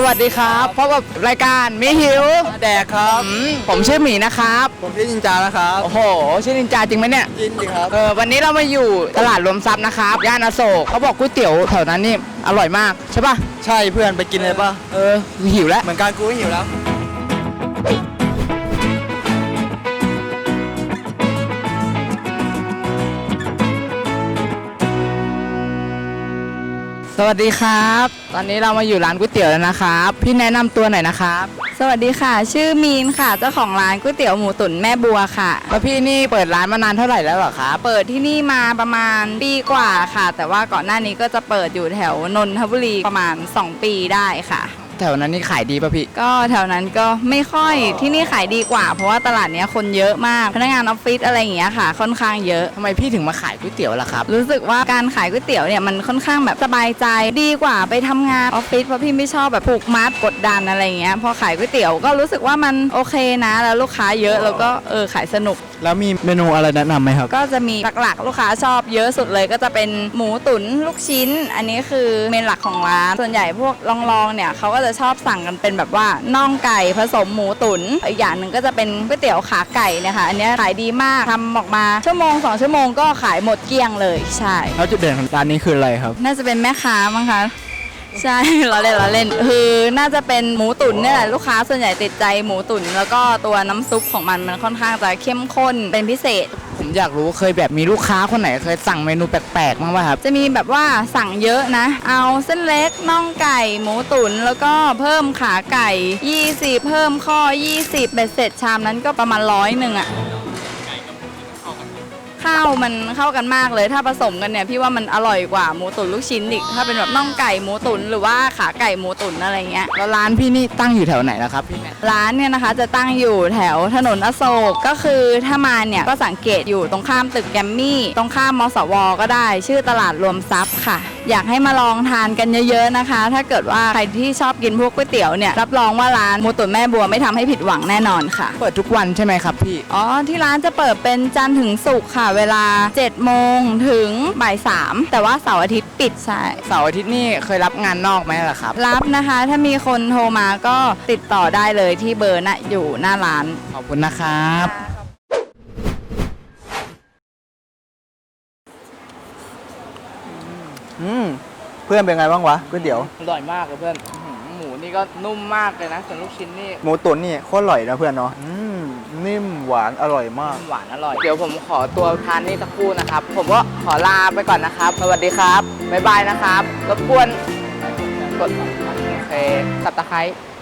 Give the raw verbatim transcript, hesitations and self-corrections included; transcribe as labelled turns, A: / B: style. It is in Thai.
A: วัสดีครับพบกับรายการมิหิว
B: แดกครับ
A: ผมชื่อหมีนะครับ
B: ผมชื่อนินจานะครับ
A: โอ้โหชื่อนินจาจริงไหมเนี่ย
B: จริงจริงครับ
A: เออวันนี้เรามาอยู่ตลาดรวมทรัพย์นะครับย่านอโศกเขาบอกก๋วยเตี๋ยวแถวนั้นนี่อร่อยมากใช่ป่ะ
B: ใช่เพื่อนไปกินเลยป่ะ
A: เออหิวแล้ว
B: เหมือนกันกูก็หิวแล้ว
A: สวัสดีครับตอนนี้เรามาอยู่ร้านก๋วยเตี๋ยวแล้วนะครับพี่แนะนำตัวหน่อยนะครับ
C: สวัสดีค่ะชื่อมีนค่ะเจ้าของร้านก๋วยเตี๋ยวหมูตุ๋นแม่บัวค่ะ
A: แล้วพี่นี่เปิดร้านมานานเท่าไหร่แล้วเหรอครับ
C: เปิดที่นี่มาประมาณปีกว่าค่ะแต่ว่าก่อนหน้านี้ก็จะเปิดอยู่แถวนนทบุรีประมาณสองปีได้ค่ะ
A: แถวนั้นนี่ขายดีป่ะพี่
C: ก็แถวนั้นก็ไม่ค่อยที่นี่ขายดีกว่าเพราะว่าตลาดนี้คนเยอะมากพนักงานออฟฟิศอะไรอย่างเงี้ยค่ะค่อนข้างเยอะ
A: ทำไมพี่ถึงมาขายก๋วยเตี๋ยวล่ะครับ
C: รู้สึกว่าการขายก๋วยเตี๋ยวเนี่ยมันค่อนข้างแบบสบายใจดีกว่าไปทำงานออฟฟิศเพราะพี่ไม่ชอบแบบผูกมัดกดดันอะไรอย่างเงี้ยพอขายก๋วยเตี๋ยวก็รู้สึกว่ามันโอเคนะแล้วลูกค้าเยอะแล้วก็เออขายสนุก
B: แล้วมีเมนูอะไรแนะนำไหมครับ
C: ก็จะมีหลักๆลูกค้าชอบเยอะสุดเลยก็จะเป็นหมูตุ๋นลูกชิ้นอันนี้คือเมนหลักของร้านส่วนใหญ่พวกลองๆเนี่ยเขาก็จะชอบสั่งกันเป็นแบบว่าน่องไก่ผสมหมูตุ๋นอีกอย่างหนึ่งก็จะเป็นก๋วยเตี๋ยวขาไก่เนี่ยค่ะอันนี้ขายดีมากทำออกมาชั่วโมงสองชั่วโมงก็ขายหมดเกลี้ยงเลยใช่
B: แล้วจุดเด่นของร้านนี้คืออะไรครับ
C: น่าจะเป็นแม่ค้ามั้งคะใช่เราเล่นเราเล่นคือน่าจะเป็นหมูตุ๋นเนี่ยแหละลูกค้าส่วนใหญ่ติดใจหมูตุ๋นแล้วก็ตัวน้ำซุปของมันมันค่อนข้างจะเข้มข้นเป็นพิเศษ
A: ผมอยากรู้เคยแบบมีลูกค้าคนไหนเคยสั่งเมนูแปลกๆมั้างป่ะครับ
C: จะมีแบบว่าสั่งเยอะนะเอาเส้นเล็กน่องไก่หมูตุ๋นแล้วก็เพิ่มขาไก่ยี่สิบเพิ่มข้อยี่สิบเบ็ดเสร็จชามนั้นก็ประมาณร้อยหนึ่งอะข้าวมันเข้ากันมากเลยถ้าผสมกันเนี่ยพี่ว่ามันอร่อยกว่าหมูตุ๋นลูกชิ้นอีกถ้าเป็นแบบน่องไก่หมูตุ๋นหรือว่าขาไก่หมูตุ๋นอะไรเงี้ย
A: แล้วร้านพี่นี่ตั้งอยู่แถวไหนล่ะครับพี่
C: ร้านเนี่ยนะคะจะตั้งอยู่แถวถนนอโศกก็คือถ้ามาเนี่ยก็สังเกตอยู่ตรงข้ามตึกแกมมี่ตรงข้ามมสวก็ได้ชื่อตลาดรวมทรัพย์ค่ะอยากให้มาลองทานกันเยอะๆนะคะถ้าเกิดว่าใครที่ชอบกินพวกก๋วยเตี๋ยวเนี่ยรับรองว่าร้านหมูตุ๋นแม่บัวไม่ทำให้ผิดหวังแน่นอนค่ะ
A: เปิดทุกวันใช่ไหมครับพี่
C: อ๋อที่ร้านจะเปิดเป็นจันทร์ถึงศุกร์ค่ะเวลาเจ็ดโมงถึงบ่ายสามแต่ว่าเสาร์อาทิตย์ปิดใช่
A: เสาร์อาทิตย์นี่เคยรับงานนอกไหมล่ะครับ
C: รับนะคะถ้ามีคนโทรมาก็ติดต่อได้เลยที่เบอร์น่ะอยู่หน้าร้าน
A: ขอบคุณนะครับ
B: อืมเพื่อนเป็นไงบ้างวะก๋วยเตี๋ยว
A: อร่อยมากเลยเพื่อนหมูนี่ก็นุ่มมากเลยนะส่วนลูกชิ้นนี่
B: หมูตุ๋นนี่โคตรอร่อยนะเพื่อนเนาะอืมนิ่มหวานอร่อยมาก
A: หวานอร่อยเดี๋ยวผมขอตัวทานนี่สักครู่นะครับผมก็ขอลาไปก่อนนะครับสวัสดีครับบ๊ายบายนะครับรบกวนกดโอเคสับตะไคร้